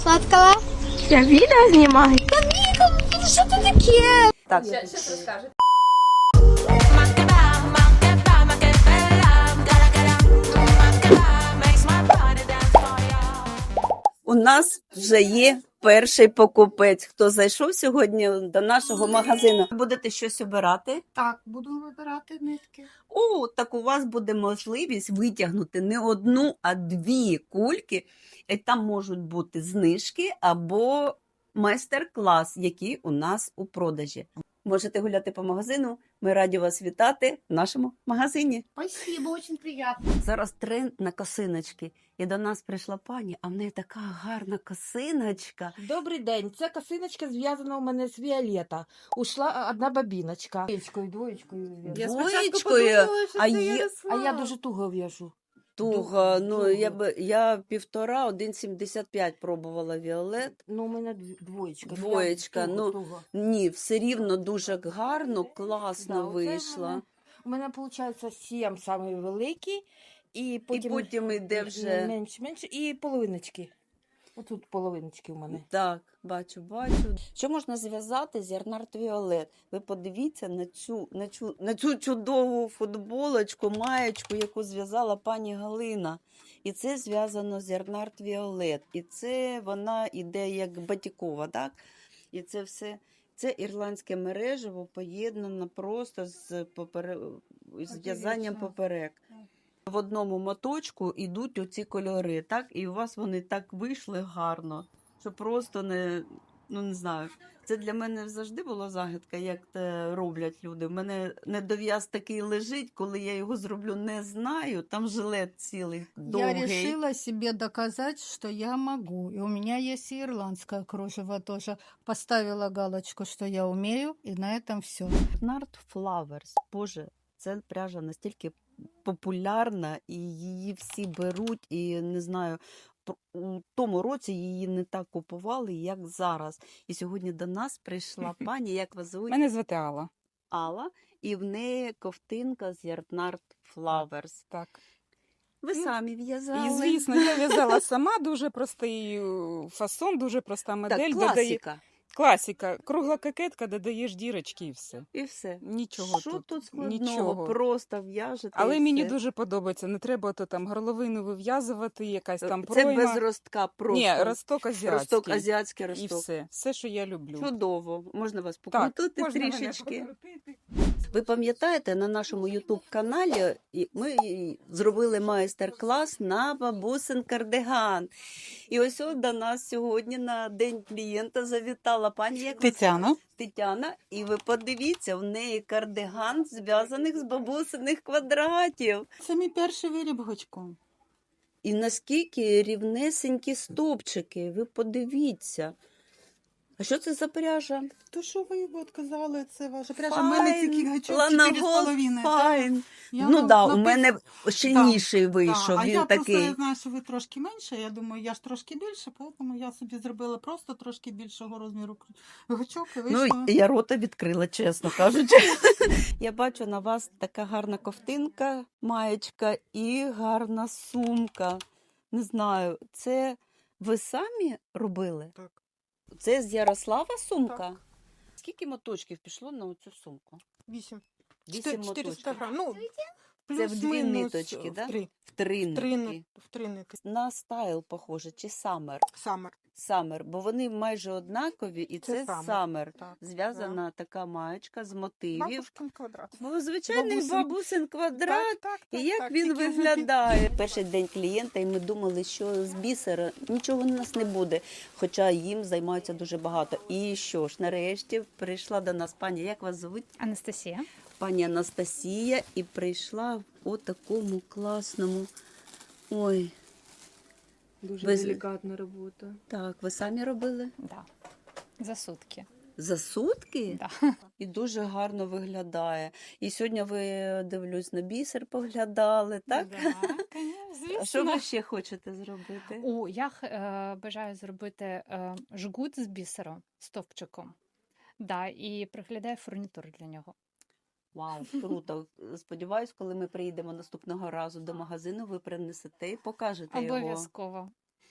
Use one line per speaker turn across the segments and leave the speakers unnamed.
Сладкого?
Я відео знімаю.
Що це таке?
Так.
Сейчас расскажет.
У нас вже є перший покупець, хто зайшов сьогодні до нашого магазину. Будете щось обирати?
Так, буду вибирати нитки.
О, так у вас буде можливість витягнути не одну, а дві кульки. І там можуть бути знижки або майстер-клас, які у нас у продажі. Можете гуляти по магазину. Ми раді вас вітати в нашому магазині.
Спасибо, очень приятно.
Зараз тренд на косиночки. І до нас прийшла пані, а в неї така гарна косиночка.
Добрий день. Це косиночка зв'язана у мене з Віолета. Ушла одна бабіночка. Двоєчкою.
Двоєчкою?
А я дуже туго в'яжу.
Туго, ну
Туго.
я 1,5, 1,75 пробувала Віолет.
Ну, у мене двоєчка.
Двоєчка, ну,
Туго.
Ні, все рівно дуже гарно, класно
Да, оце
вийшла.
У мене виходить 7 самий великий, і
І
потім,
потім йде вже.
менше, і половиночки. Отут половиночки у мене.
Так, бачу. Що можна зв'язати з Ярнард Віолет? Ви подивіться на цю чудову футболочку, маєчку, яку зв'язала пані Галина. І це зв'язано з Ярнард Віолет. І це вона іде як батікова, так? І це все, це ірландське мережево поєднано просто з в'язанням поперек. В одному моточку йдуть оці кольори, так? І у вас вони так вийшли гарно, що просто не знаю. Це для мене завжди була загадка, як це роблять люди. У мене недов'яз такий лежить, коли я його зроблю, не знаю. Там жилет цілий довгий.
Я решила себе доказать, что я могу. И у меня есть и ирландское кружево тоже. Поставила галочку, что я умею, и на этом все.
Nard Flowers. Боже, це пряжа настільки популярна, і її всі беруть, і не знаю, у тому році її не так купували, як зараз. І сьогодні до нас прийшла пані, як вас звуть?
Мене звати Алла.
Алла, і в неї ковтинка з Ярнард Flowers.
Так.
Ви
Ну,
самі в'язали?
І, звісно, я в'язала сама, дуже простий фасон, дуже проста модель.
Так,
Додає...
класика.
Класика. Кругла кокетка, додаєш дірочки і все.
І все.
Нічого
Що
тут,
тут складного?
нічого.
Просто в'яжете.
Але
і
мені
все.
дуже подобається. Не треба то там горловину вив'язувати, якась там
Це
пройма.
без ростка просто.
Ні, росток азіатський.
Росток, азіатський
І
росток.
все. Все, що я люблю.
Чудово. Можна вас
Так,
покрутити
можна мене
трішечки.
покрутити.
Ви пам'ятаєте, на нашому YouTube-каналі ми зробили майстер-клас на бабусин кардиган. І ось до нас сьогодні на День клієнта завітала пані
Тетяна.
Тетяна. І ви подивіться, в неї кардиган зв'язаних з бабусиних квадратів.
Це мій перший виріб гачком.
І наскільки рівнесенькі стовпчики, ви подивіться. А що це за пряжа?
То що ви от казали, це ваша пряжа. У мене тільки гачок 4,5.
Файн.
Я
Ну
вам
так, у
напишу-
мене щільніший
Так,
вийшов,
а
він
я
такий.
просто знаю, що ви трошки менше. Я думаю, я ж трошки більше, тому я собі зробила просто трошки більшого розміру гачок і
Ну,
вийшло.
я рота відкрила, чесно кажучи. Я бачу на вас така гарна ковтинка, маєчка і гарна сумка. Не знаю, це ви самі робили?
Так.
Це з Ярослава сумка?
Так.
Скільки моточків пішло на цю сумку?
8.
8
400
моточків.
грам. Ну,
Це в дві
плюс-мінус
ниточки,
в
да?
три.
В три нитки.
В три нитки.
На стайл похоже, чи самер?
Самер.
Самер, бо вони майже однакові, і
Це
це
Summer,
самер.
так,
Зв'язана така маєчка з мотивів.
Бабушкин квадрат.
Бо звичайний
Бабусин.
бабусин квадрат.
Так,
І як
так,
він
тільки
виглядає? Перший день клієнта, і ми думали, що з бісера нічого у нас не буде, хоча їм займаються дуже багато. І що ж, нарешті прийшла до нас пані, як вас звуть?
Анастасія.
Пані Анастасія, і прийшла в такому класному. Ой,
Дуже
Без-
делікатна робота.
так, ви самі робили?
Да. За сутки.
За сутки?
Да.
І дуже гарно виглядає. І сьогодні ви, дивлюсь, на бісер поглядали, так? А що ви ще хочете зробити?
Я бажаю зробити жгут з бісером, стовпчиком. Да, і приглядаю фурнітуру для нього.
Вау, круто. Сподіваюсь, коли ми приїдемо наступного разу до магазину, ви принесете і покажете його.
Обов'язково.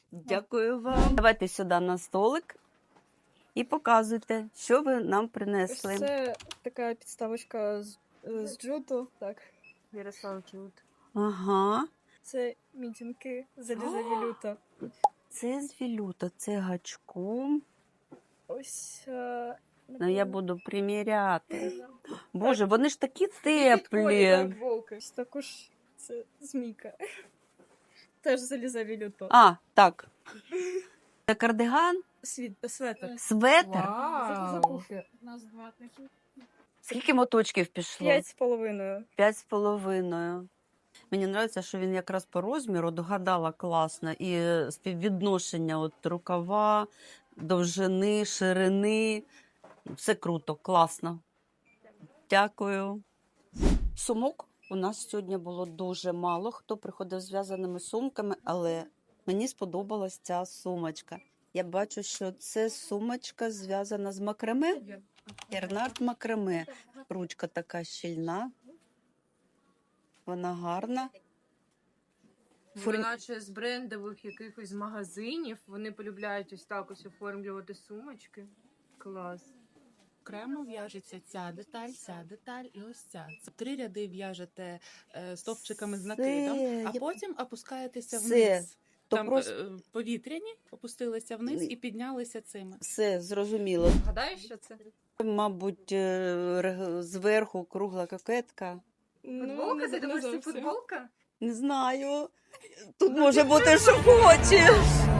Дякую вам. Давайте сюди на столик і показуйте, що ви нам принесли.
Це така підставочка з джуту, так, Ярослав Джут.
Ага.
Це мітинки заліза вілюта.
Це з вілюта, це гачком.
Ось.
Ну, я буду приміряти. Боже, вони ж такі теплі.
Волки. Ось також це змійка. Теж заліза вілюта.
А, так. Це кардиган,
Светр.
светр.
Вау.
У нас 2 такі.
Скільки моточків пішло?
5,5.
5,5. Мені подобається, що він якраз по розміру догадала класно. І співвідношення от рукава, довжини, ширини. Все круто, класно. Дякую. Сумок у нас сьогодні було дуже мало. Хто приходив з зв'язаними сумками, але мені сподобалась ця сумочка. Я бачу, що це сумочка зв'язана з макраме. Ернард макраме. Ручка така щільна. Вона гарна.
Наче з брендових якихось магазинів вони полюбляють ось так ось оформлювати сумочки. Клас.
Окремо в'яжеться ця деталь і ось ця. Це 3 ряди в'яжете стовпчиками з накидом, а потім опускаєтеся
Все.
вниз.
То
Там
просто
повітряні, опустилися вниз і піднялися цими.
все зрозуміло.
Гадаєш, що це?
Мабуть, зверху кругла кокетка.
Футболка? Ти думаєш, це футболка?
Не знаю. Тут може бути, що хочеш.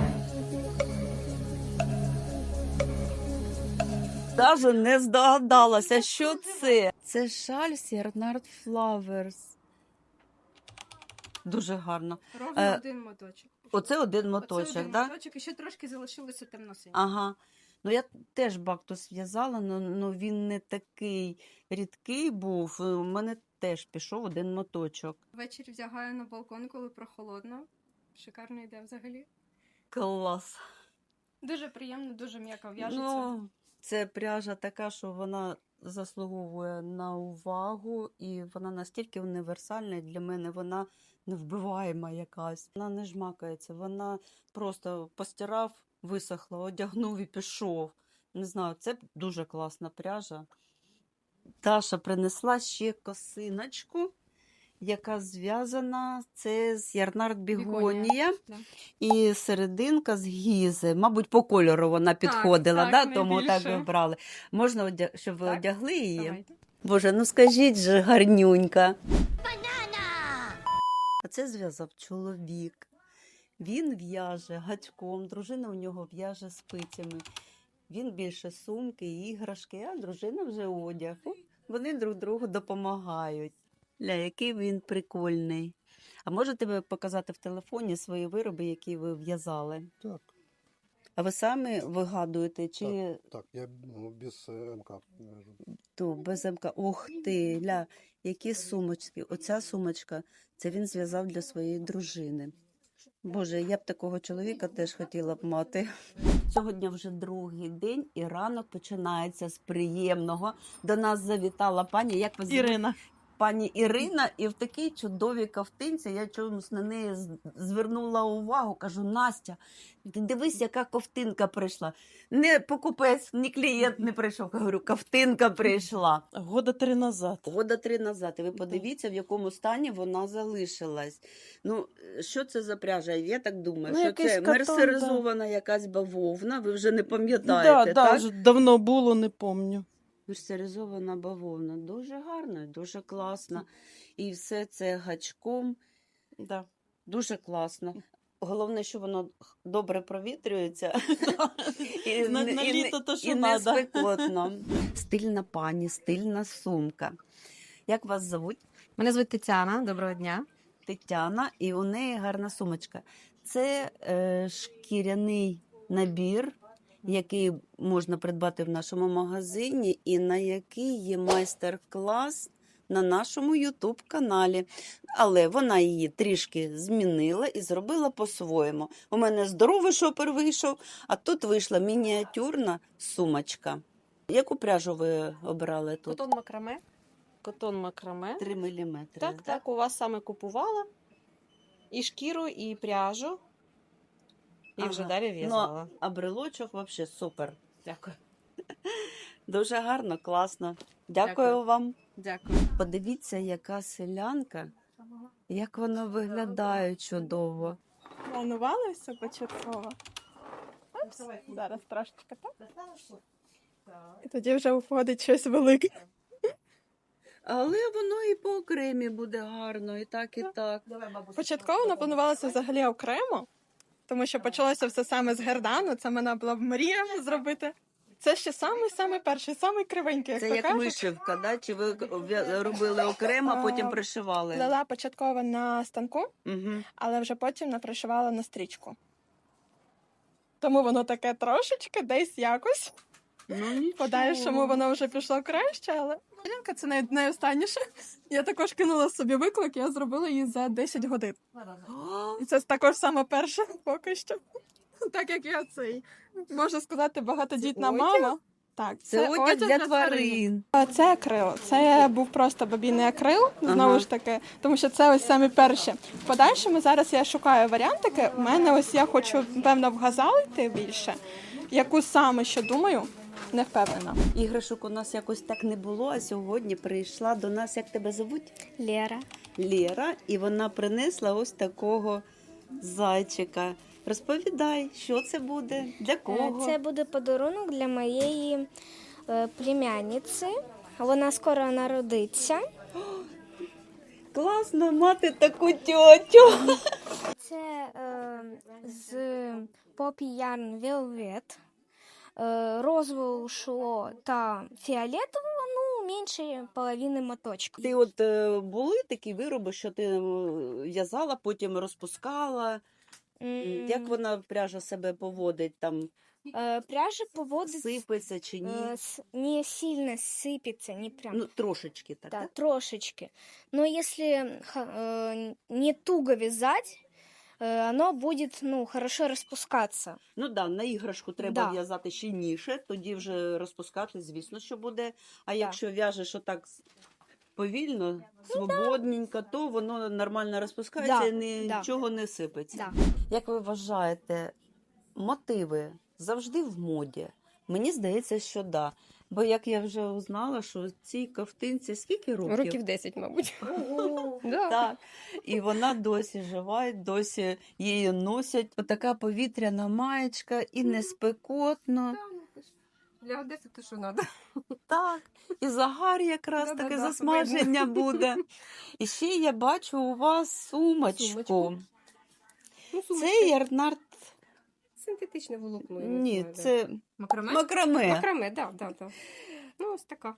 Даже не здогадалася, що це. Це шаль Ернард Flowers. Дуже гарно.
Ровно один моточок.
Оце один
Оце
моточок,
один
так?
моточок, і ще трошки залишилося темно-синій.
Ага. Ну, я теж бактус в'язала, але він не такий рідкий був. У мене теж пішов один моточок.
Ввечері вдягаю на балкон, коли прохолодно. Шикарно йде взагалі.
Клас.
Дуже приємно, дуже м'яко в'яжеться.
Ну, це пряжа така, що вона заслуговує на увагу, і вона настільки універсальна, і для мене вона невбиваєма якась. Вона не жмакається, вона просто постирав, висохла, одягнув і пішов. Не знаю, це дуже класна пряжа. Таша принесла ще косиночку, яка зв'язана це з Ярнард Бігонія.
Да.
І серединка з гізи. Мабуть, по кольору вона підходила,
так,
да? Тому
найбільше.
так вибрали. Можна, щоб ви
Так,
одягли її?
Давайте.
Боже, ну скажіть же, гарнюнька. А це зв'язав чоловік. Він в'яже гачком, дружина у нього в'яже спицями. Він більше сумки, іграшки, а дружина вже одяг. Вони друг другу допомагають. Ля, який він прикольний. А можете ви показати в телефоні свої вироби, які ви в'язали?
Так,
А ви самі вигадуєте, чи
так, я без МК вяжу.
то без МК? Ух ти, Ля, які сумочки. Оця сумочка, це він зв'язав для своєї дружини. Боже, я б такого чоловіка теж хотіла б мати. Сьогодні вже другий день, і ранок починається з приємного. До нас завітала пані, як вас звуть?
Ірина.
Пані Ірина, і в такій чудовій ковтинці я чомусь на неї звернула увагу. Кажу, Настя, ти дивись, яка ковтинка прийшла. Не покупець, ні клієнт не прийшов. Говорю, ковтинка прийшла.
Года 3 назад.
Года 3 назад. І ви подивіться, в якому стані вона залишилась. Ну, що це за пряжа? Я так думаю,
Ну,
що
якийсь
це
катон,
мерсеризована якась бавовна. Ви вже не пам'ятаєте, так?
вже давно було, не пам'ятаю.
Мерсеризована бавовна. Дуже гарна, дуже класна. І все це гачком.
Да.
Дуже класно. Головне, що воно добре провітрюється. І
На
не- і
літо
не-
то, що
і не
надо.
спекотно. Стильна пані, стильна сумка. Як вас звуть?
Мене звуть Тетяна, доброго дня.
Тетяна, і у неї гарна сумочка. Це шкіряний набір, який можна придбати в нашому магазині, і на який є майстер-клас на нашому YouTube-каналі. Але вона її трішки змінила і зробила по-своєму. У мене здоровий шопер вийшов, а тут вийшла мініатюрна сумочка. Яку пряжу ви обирали тут?
Котон макраме. Котон макраме.
3 мм.
Так, у вас саме купувала. І шкіру, і пряжу. І вже
Ага.
далі в'язала.
Ну, а брелочок взагалі супер.
Дякую.
Дуже гарно, класно. Дякую
Дякую.
вам.
Дякую.
Подивіться, яка селянка, як вона виглядає чудово.
Планували все початково. Зараз трошечки так. І тоді вже виходить щось велике.
Але воно і по окремі буде гарно, і так, і так.
Початково воно планувалося взагалі окремо, тому що почалося все саме з гердану. Це мене була б мрія зробити. Це ще самий перший, самий кривенький, як
Це
то
як
кажуть.
вишивка, да? Чи ви робили окремо, а потім пришивали?
Плела початково на станку,
Угу.
але вже потім напришивала на стрічку. Тому воно таке трошечки, десь якось.
Ну, нічого.
В подальшому воно вже пішло краще, але Янка це найостанніше. Я також кинула собі виклик, я зробила її за 10 годин. І це також саме перше поки що. Так як я цей, можна сказати, багатодітна мама. Так,
Це одяг для тварин.
Це акрил. Це був просто бабійний акрил, знову
Ага.
ж таки, тому що це ось самі перші. В подальшому зараз я шукаю варіантики. У мене ось я хочу, певно, в газал йти більше. Яку саме що думаю, не впевнена.
Іграшок у нас якось так не було, а сьогодні прийшла до нас, як тебе звуть?
Лера.
Лєра, і вона принесла ось такого зайчика. Розповідай, що це буде, для кого?
Це буде подарунок для моєї племянниці. Вона скоро народиться.
Класно мати таку тьотю.
Це з Poppy Yarn Velvet. Розового шо та фіолетового, ну, менше половини моточка.
Ти от були такі вироби, що ти в'язала, потім розпускала? Як вона пряжа себе поводить? Там
Пряжа поводить
сипеться чи ні?
не сильно сыпется, не прям.
Ну, трошечки так.
Да,
Да?
трошечки. Но если не туго вязать, оно будет, ну, хорошо распускаться.
Ну да, на іграшку треба
Да.
в'язати щільніше, тоді вже розпускати, звісно, що буде. А якщо в'яжеш отак повільно, свободненько, то воно нормально розпускається
Да,
і
да.
нічого не сипеться.
Да.
Як ви вважаєте, мотиви завжди в моді? Мені здається, що да. Бо як я вже узнала, що цій ковтинці скільки років?
Років 10, мабуть.
Так. І вона досі жива, і досі її носять. Отака повітряна маєчка, і не спекотно.
Для Одеси то що треба.
Так, і загар якраз
Да-да-да,
таке засмаження буде. І ще я бачу у вас сумочку.
Сумочку.
Це ярнард.
Синтетичне волокно.
Ні, це
Макраме?
макраме.
Макраме, так, так, так. Ну, ось така.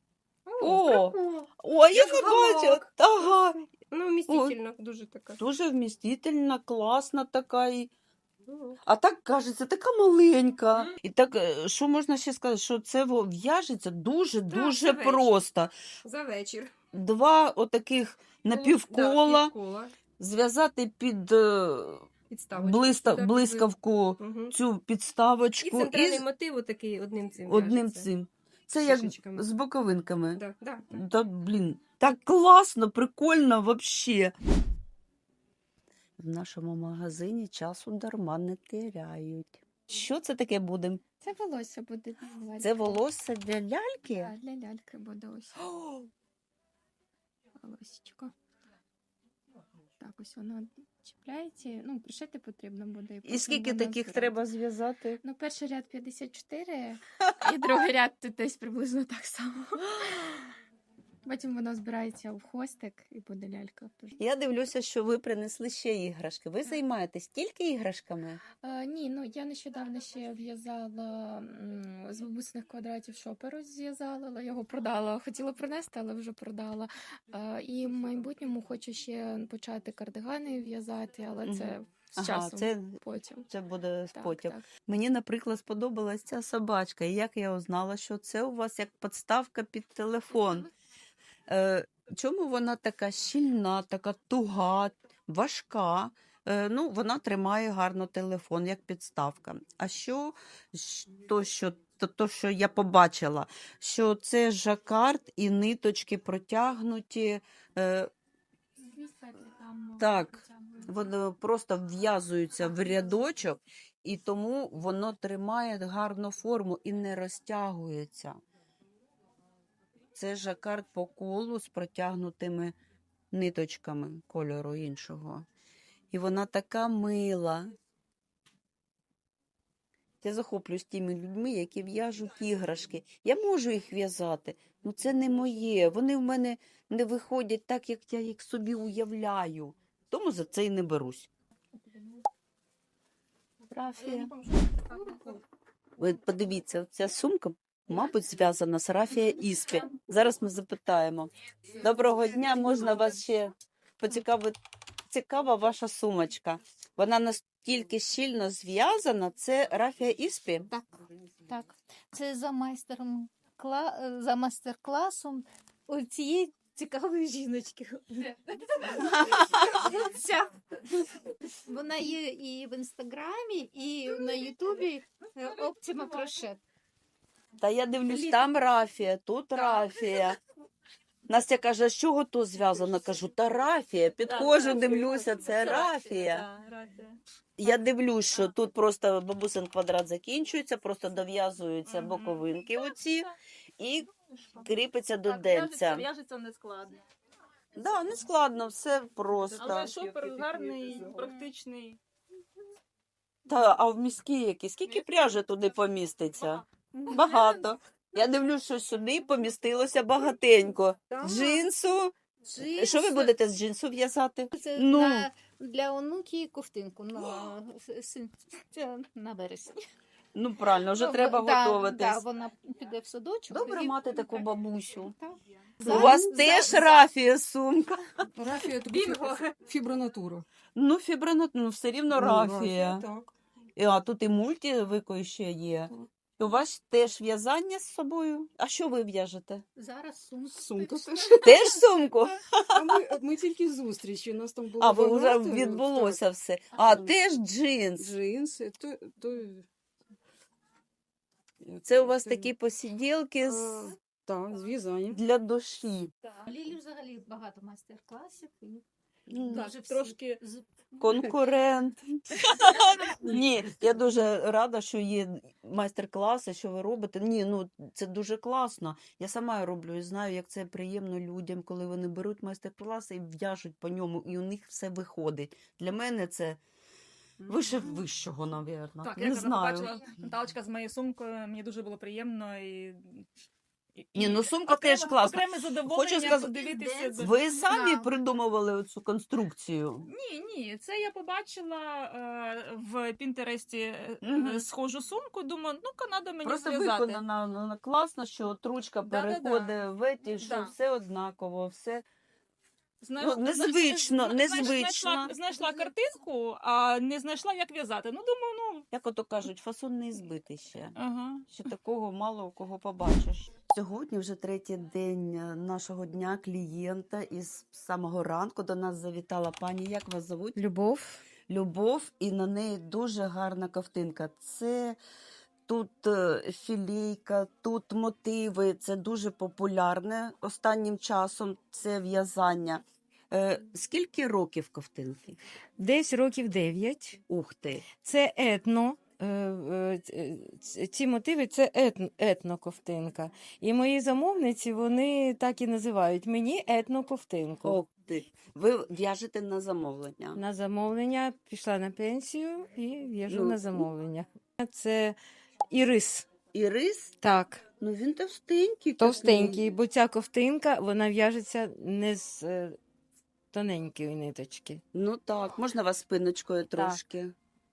О, я не бачу. Ага.
Ну, вмістительна, дуже така.
Дуже вмістительна, класна така. А так кажеться, така маленька. І так, що можна ще сказати, що це в'яжеться дуже-дуже
це вечір.
просто.
За вечір.
Два отаких напівкола,
Півкола.
зв'язати під
Підставочку.
блискавку
Угу.
цю
І
підставочку
центральний мотив такий одним цим.
одним
в'яжеться.
цим. Це
З
як
шишечками.
з боковинками.
Да, да.
Да, блін, так класно, прикольно вообще. В нашому магазині часу дарма не теряють. Що це таке буде?
Це волосся буде.
Це волосся для ляльки?
Так, для ляльки буде ось. Волосечко. Так, ось воно чіпляється. Ну, пришити потрібно буде.
І
потім
скільки
воно
таких
збирається.
треба зв'язати?
Ну, перший ряд 54, і другий ряд десь приблизно так само. Потім воно збирається в хвостик і буде лялька.
Я дивлюся, що ви принесли ще іграшки. Ви займаєтесь тільки іграшками?
Ні, ну я нещодавно ще в'язала з бабусиних квадратів шоперу зв'язала, але його продала. Хотіла принести, але вже продала. І в майбутньому хочу ще почати кардигани в'язати, але це з часом потім.
Це буде
Так,
потім.
так.
Мені, наприклад, сподобалась ця собачка. І як я узнала, що це у вас як підставка під телефон. Чому вона така щільна, така туга, важка? Ну, вона тримає гарно телефон, як підставка. А то, що я побачила, що це жакард і ниточки протягнуті. Так, Вони просто вв'язуються в рядочок, і тому воно тримає гарну форму і не розтягується. Це жакард по колу з протягнутими ниточками кольору іншого. І вона така мила. Я захоплююсь тими людьми, які в'яжуть іграшки. Я можу їх в'язати, але це не моє. Вони в мене не виходять так, як я їх собі уявляю. Тому за це і не берусь. Рафія. Ви подивіться, ця сумка, мабуть, зв'язана з Рафія Іспі. Зараз ми запитаємо. Доброго дня, можна вас ще поцікавити? Цікава ваша сумочка. Вона настільки щільно зв'язана. Це Рафія Іспі?
Так, так. Це за майстер-класом у цієї цікавої жіночки. Ця. Вона є і в інстаграмі, і на ютубі Оптима Крошет.
Та я дивлюсь, там Рафія, тут Рафія. Настя каже, з чого то зв'язано? Кажу, та Рафія. Підходжу, дивлюся, це Рафія. Я дивлюсь, що тут просто бабусин квадрат закінчується, просто дов'язуються боковинки оці і кріпиться до денця.
В'яжеться нескладно.
Да, не складно, все просто.
Але шопер гарний, практичний.
Та, а в міські які? Скільки пряжі туди поміститься? Багато. Я дивлюсь, що сюди помістилося багатенько. Джинсу. Що ви будете з джинсу в'язати?
Це
Ну.
для онуки ковтинку на вересні.
Ну, правильно, вже треба готуватись.
Так, вона піде в садочок.
Добре
і-
мати таку бабусю.
Так.
У вас теж Рафія сумка.
Рафія фібронатура.
Ну, ну, все рівно Рафія.
Так.
А тут і мультивико ще є. І у вас теж в'язання з собою? А що ви в'яжете?
Зараз сумка.
Сумка теж.
Теж сумку?
Ми тільки зустрічі, у нас там було
А, ви вже
багато,
відбулося все. А, теж джинс.
Джинси,
Це у вас такі посиділки
Так, зв'язання.
для душі.
Лілі взагалі багато майстер-класів. І
Ну,
дуже всі
трошки
конкурент. Ні, я дуже рада, що є майстер-класи, що ви робите. Ні, ну це дуже класно. Я сама роблю і знаю, як це приємно людям, коли вони беруть майстер-класи і в'яжуть по ньому, і у них все виходить. Для мене це вище вищого, напевно.
Так,
Не
я
знаю.
побачила Наталочка з моєю сумкою, мені дуже було приємно і
Ні, ну сумка теж класна.
Окреме задоволення
Хочу сказати,
подивитися.
ви самі придумували цю конструкцію?
Ні, це я побачила в Пінтересті схожу сумку, думаю, ну-ка, треба мені
Просто
зв'язати.
виконана класно, що от ручка
Да-да-да.
переходить в еті, що
Да.
все однаково, все.
Знаєш,
Ну, незвично,
знаєш,
незвично.
Знайшла картинку, а не знайшла, як в'язати. Ну, думаю,
Як ото кажуть, фасон не збитий ще.
ага.
Ще такого мало у кого побачиш. Сьогодні вже третій день нашого дня клієнта, і з самого ранку до нас завітала пані. Як вас зовуть?
Любов.
Любов, і на неї дуже гарна ковтинка. Це тут філійка, тут мотиви. Це дуже популярне останнім часом. Це в'язання. Скільки років ковтинки?
Десь років 9.
Ух ти!
Це етно. Ці мотиви це етноковтинка. І мої замовниці, вони так і називають мені етноковтинку.
Ух ти! Ви в'яжете на замовлення?
На замовлення пішла на пенсію і в'яжу
Ну.
на замовлення. Це ірис.
Ірис?
Так,
Ну він товстенький.
товстенький, бо ця ковтинка, вона в'яжеться не з тоненької ниточки.
Ну так, можна вас спиночкою трошки.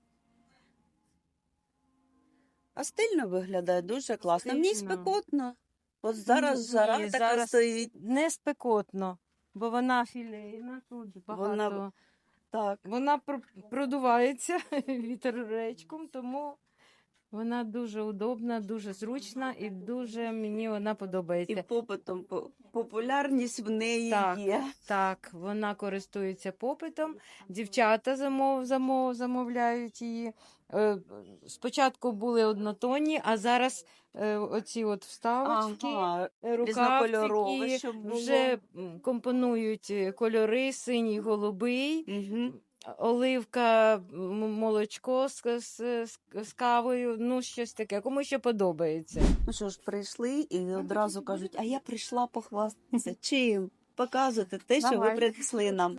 А стильно виглядає, дуже класно. Мені
Стильно.
спекотно. От зараз
Ні,
жара така
зараз
стоїть.
Не спекотно, бо вона філейна, тут багато.
Так.
Вона продувається вітеречком, тому вона дуже удобна, дуже зручна і дуже мені вона
І
подобається.
попитом популярність в неї
Так.
є.
Так, вона користується попитом. Дівчата замовляють її. Спочатку були однотонні, а зараз оці от вставочки,
Ага, різнокольорове,
рукавчики
щоб було.
вже компонують кольори синій, голубий.
Угу.
оливка, молочко з кавою, ну щось таке, кому що подобається.
Ну що ж, прийшли і одразу кажуть, а я прийшла похвастатися. Чим? Показуйте те, що ви
Давай.
принесли нам.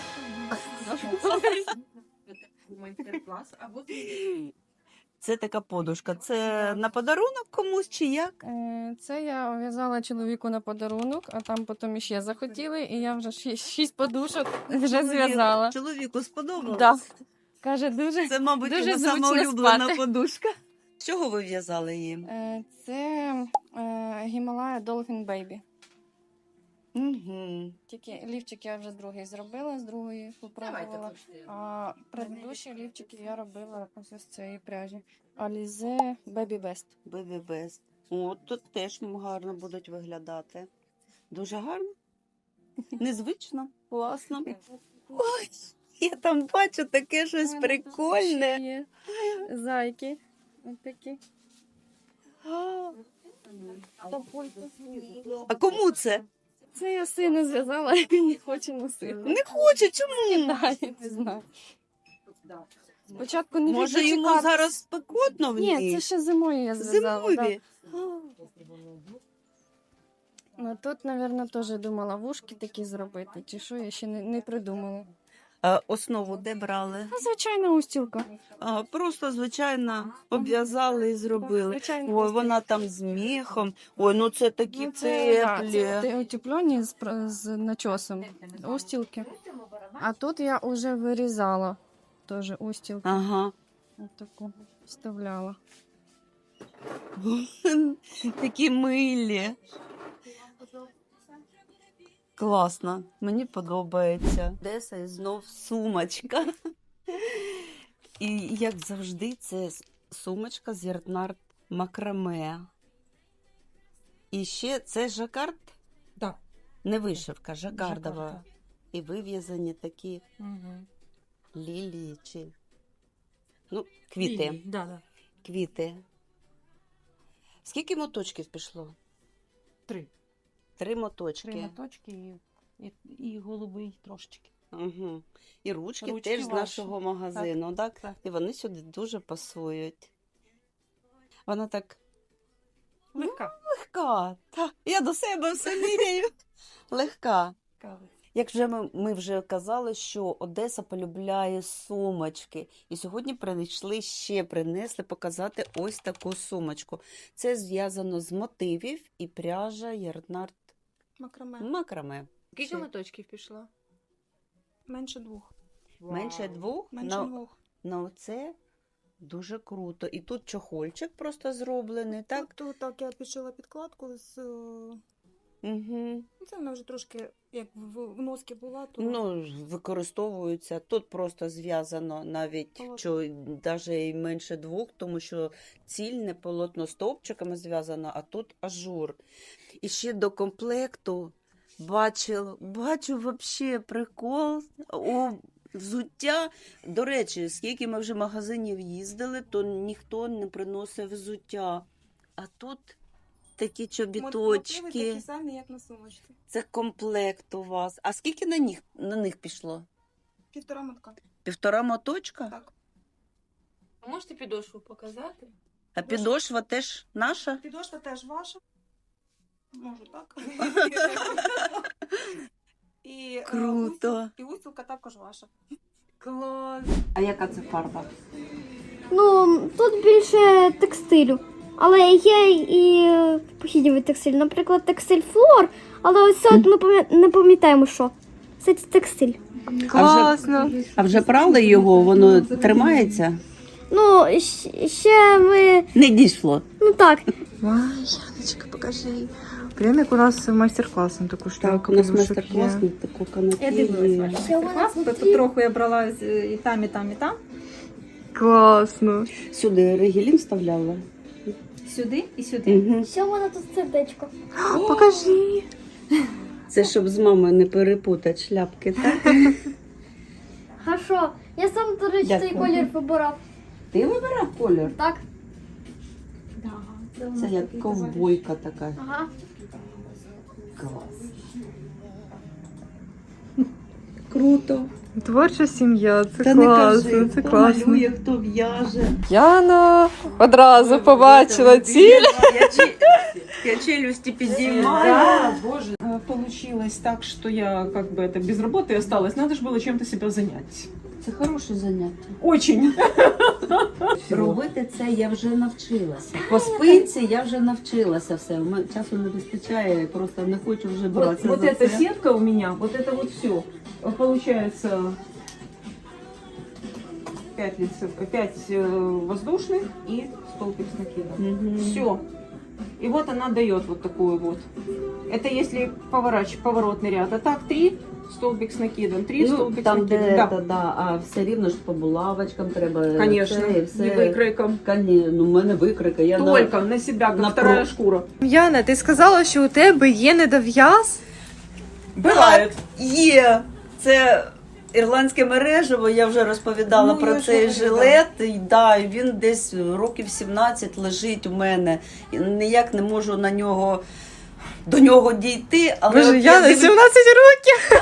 Це така подушка. Це на подарунок комусь чи як?
Це я в'язала чоловіку на подарунок, а там потім іще захотіли, і я вже 6 подушок вже зв'язала.
Чоловіку сподобалось?
Да. Каже, дуже.
Це, мабуть,
дуже
його
зручно
сама улюблена
спати.
подушка. З чого ви в'язали її?
Це Гімалая Dolphin Baby.
Угу.
Тільки лівчик я вже другий зробила, з другої попробувала. А предыдущі лівчики я робила ось з цієї пряжі. Alize Baby Best.
Baby Best. О, тут теж гарно будуть виглядати. Дуже гарно. Незвично, класно. Ой, я там бачу таке щось прикольне.
Є зайки. Ось такі.
А кому це?
Це я сину зв'язала, він не хоче носити.
Не хоче, чому?
Не знаю. Спочатку не
Може, йому
дочекатись.
зараз спекотно в ній?
Ні, це ще зимою я зв'язала.
Зимові?
Ну, тут, мабуть, теж думала вушки такі зробити, чи що, я ще не придумала.
А основу де брали?
А звичайна устілка.
А, просто, звичайно, обв'язали і зробили.
Звичайна
Ой,
устілка.
вона там з міхом. Ой, ну це такі
Ну, це
теплі.
утеплені з начосом устілки. А тут я вже вирізала теж устілку.
Ага.
Ось таку вставляла.
Такі милі. Класно, мені подобається. Одеса і знов сумочка. І як завжди, це сумочка з ярнард макраме. І ще це жакард?
Так.
Не вишивка, жакардова.
Жакард,
І вив'язані такі
Угу.
лілії чи ну, квіти.
Да.
Квіти. Скільки моточків пішло?
3.
3 моточки.
3 моточки і голубий трошечки.
Угу. І ручки
Ручки
теж з
ваші.
нашого магазину, так?
так.
І вони сюди дуже пасують. Вона так
Легка.
легка. Та, я до себе все міряю. Легка.
Кави.
Як вже ми вже казали, що Одеса полюбляє сумочки. І сьогодні принесли показати ось таку сумочку. Це зв'язано з мотивів і пряжа ярнард макраме.
Скільки
моточків пішло?
Менше 2.
Менше 2?
Менше 2.
Ну, це дуже круто. І тут чохольчик просто зроблений, так?
Тут так я підшила підкладку з...
Угу.
Це вона вже трошки, як в носки була, то...
Ну, використовуються. Тут просто зв'язано навіть,
Полотно.
що навіть і менше 2, тому що цільне полотно стовпчиками зв'язано, а тут ажур. І ще до комплекту бачу вообще прикол. Взуття. До речі, скільки ми вже магазинів їздили, то ніхто не приносив взуття. А тут такі чобіточки.
Мотиви такі самі, як на сумочці.
Це комплект у вас. А скільки на них пішло?
1,5 мотка.
1,5 моточка?
Так.
А можете підошву показати?
А підошва теж наша?
Підошва теж ваша. Можу так. І,
Круто.
І устілка також ваша.
Клас!
А яка це фарба?
Ну, тут більше текстилю. Але є і похідній текстиль. Наприклад, текстиль флор, але ось це от ми не пам'ятаємо, що. Це текстиль.
Класно!
А вже прали його, воно тримається?
Ну, ще ми.
Не дійшло.
Ну так.
Яночка, покажи. Прям як у нас майстер-клас на таку штуку.
Так, у нас майстер-клас на таку канапі.
Тут трохи я брала і там, і там, і там.
Класно!
Сюди регілін вставляла.
Сюди і сюди.
Угу.
Що вона тут сердечко?
Покажи.
Це щоб з мамою не перепутати шляпки, так?
Хорошо. Я сам, до речі, цей
Дякую.
колір вибирав.
Ти вибирав колір?
Так?
Це як ковбойка така.
Ага.
Клас. Круто.
Творча сім'я, це
Та
класно,
не кажи,
це
хто
класно.
малює, хто в'яже.
Яна одразу побачила ціль.
Я челюсті підіймаю.
Да, боже. Получилось так, что я как бы это без работы осталась. Надо же было чем-то себя занять.
Це хороше заняття.
Очень.
Робити це я вже навчилася. По спинці я вже навчилася все. У мене часу не вистачає, я просто не хочу вже братися
Вот
за
эта
це.
сетка у меня, вот это вот все. Получается 5 воздушных и столбик с накидом. Все. И вот она дает вот такую вот. Это если поворотный ряд. А так 3 столбик с накидом, 3 столбик с
там,
накидом.
де
Да.
це, да, а все рівно ж по булавочкам треба.
Конечно,
це, і все.
и выкройком.
Ну, у мене викрика. Я
Только на себя, как
на
вторая шкура.
Яна, ти сказала, що у тебе є недов'яз?
Буває. Є. Це ірландське мережево, я вже розповідала про цей жилет. І, да, і він десь років 17 лежить у мене. І ніяк не можу до нього дійти. Але
Боже,
от
Яна, 17 років!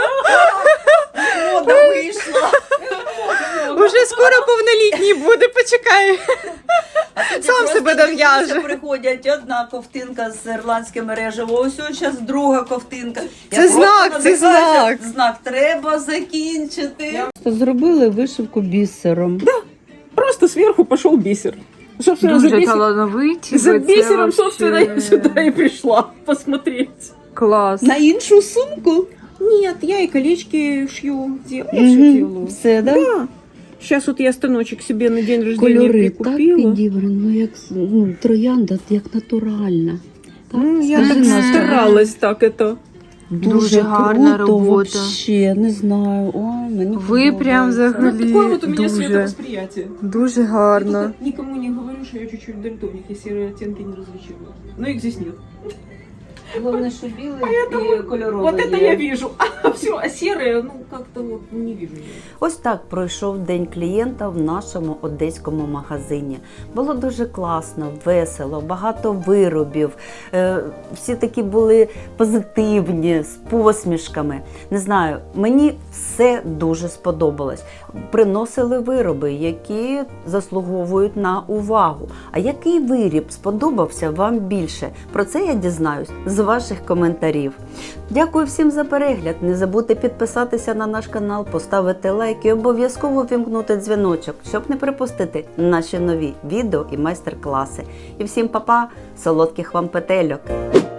Мода вийшла.
Уже скоро повнолітній буде, почекай. Сам себе дов'яже.
Приходять одна ковтинка з ірландським мережево, ось зараз друга ковтинка.
Це знак, це знак.
Знак, треба закінчити. Зробили вишивку бісером.
Просто сверху пошел бисер. Собственно,
Дуже талановиті.
за
ви, це
бисером,
вообще-
собственно, я сюда и пришла посмотреть.
Клас.
На іншу сумку?
Нет, я и колечки шью. Я все делаю.
Все, да?
Да. Сейчас вот я станочек себе на день рождения
Кольори так
прикупила.
підібрані, ну як троянда, як натуральна.
Ну, я
Скажи,
так
Настя.
старалась так это.
Дуже гарна
круто,
робота.
вообще, не знаю. Ой, мені
Ви прям
подобається.
взагалі
Такое вот у меня
дуже,
световосприятие.
дуже
Я
гарно.
только никому не говорю, что я чуть-чуть дальтоник, я серые оттенки не различила. Но их здесь нет.
Головне, що білий і кольоровий
Вот это
є.
я вижу. А все, а серые, ну как-то вот не вижу.
Ось так пройшов день клієнта в нашому одеському магазині. Було дуже класно, весело, багато виробів. Всі такі були позитивні, з посмішками. Не знаю, мені все дуже сподобалось. Приносили вироби, які заслуговують на увагу. А який виріб сподобався вам більше? Про це я дізнаюсь з ваших коментарів. Дякую всім за перегляд. Не забудьте підписатися на наш канал, поставити лайк і обов'язково вімкнути дзвіночок, щоб не пропустити наші нові відео і майстер-класи. І всім па-па, солодких вам петельок!